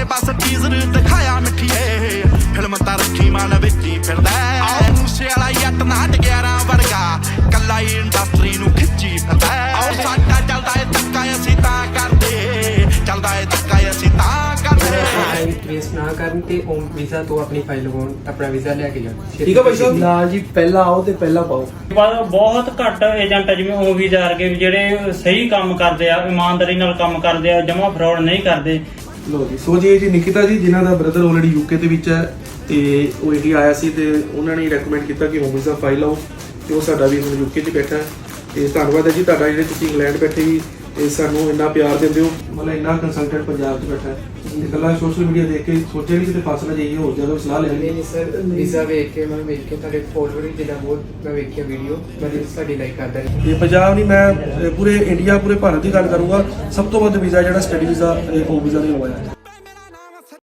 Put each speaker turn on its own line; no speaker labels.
बस टीजर दिखाया मिठिए फिल्म तां रखी मन विच ही फिरदा आओ मूसे वाला जट नाट 11 वर्गा कल्ला ही इंडस्ट्री नूं खिच्ची फिरदा आओ साडा चलदा है धक्का असीं तां करदे चलदा है धक्का असीं तां करदे
ट्रेस ना करन ते ओम वीज़ा तो अपनी फाइल लगाउण अपना वीज़ा ले के जाओ
ठीक है भाई साहब ना जी पहला आओ ते पहला पाओ
ਬਹੁਤ ਘੱਟ ਏਜੰਟ ਜਿਵੇਂ ਉਹ ਵੀਜ਼ਾ ਵਰਗੇ ਜਿਹੜੇ ਸਹੀ ਕੰਮ ਕਰਦੇ ਆ ਇਮਾਨਦਾਰੀ ਨਾਲ ਕੰਮ ਕਰਦੇ ਆ ਜਮਾ ਫਰਾਡ ਨਹੀਂ ਕਰਦੇ।
ਲੋ ਜੀ ਸੋ ਜੀ ਨਿਕਿਤਾ ਜੀ ਜਿਨ੍ਹਾਂ ਦਾ ਬ੍ਰਦਰ ਆਲਰੇਡੀ ਯੂਕੇ ਦੇ ਵਿੱਚ ਹੈ ਤੇ ਉਹ ਇੰਡੀਆ ਆਇਆ ਸੀ ਤੇ ਉਹਨਾਂ ਨੇ ਰეკਮੈਂਡ ਕੀਤਾ ਕਿ ਹੋਮ ਵੀਜ਼ਾ ਫਾਈਲ ਲਾਓ ਤੇ ਉਹ ਸਾਡਾ ਵੀ ਹੁਣ ਯੂਕੇ 'ਚ ਬੈਠਾ ਤੇ ਧੰਨਵਾਦ ਹੈ ਜੀ ਤੁਹਾਡਾ ਜਿਹੜੇ ਤੁਸੀਂ ਇੰਗਲੈਂਡ ਬੈਠੇ ਵੀ ਤੇ ਸਾਨੂੰ ਇੰਨਾ ਪਿਆਰ ਦਿੰਦੇ ਹੋ ਮਤਲਬ ਇੰਨਾ ਕੰਸਲਟੈਂਟ ਪੰਜਾਬ 'ਚ ਬੈਠਾ ਤੇ ਇਕੱਲਾ ਸੋਸ਼ਲ ਮੀਡੀਆ ਦੇਖ ਕੇ ਸੋਚਿਆ ਨਹੀਂ ਕਿਤੇ ਫਸ ਨਾ ਜਾਈਏ ਹੋਰ ਜ਼ਿਆਦਾ ਸਲਾਹ ਲੈ ਲਈ
नहीं सर वीज़ा वेख के मैं वेख के ਤੁਹਾਡੇ ਫੋਲੋਅਰ ਜਿਹੜਾ ਬਹੁਤ ਮੈਂ ਵੇਖਿਆ ਵੀਡੀਓ ਮੈਂ ਸਾਡੀ ਲਾਈਕ ਕਰਦਾ
ਤੇ ਪੰਜਾਬ ਨਹੀਂ ਮੈਂ ਪੂਰੇ ਇੰਡੀਆ ਪੂਰੇ ਭਾਰਤ ਦੀ ਗੱਲ ਕਰੂੰਗਾ ਸਭ ਤੋਂ ਵੱਧ ਵੀਜ਼ਾ ਜਿਹੜਾ ਸਟੱਡੀ ਵੀਜ਼ਾ ਹੋਮ ਵੀਜ਼ਾ ਨਹੀਂ ਹੋਇਆ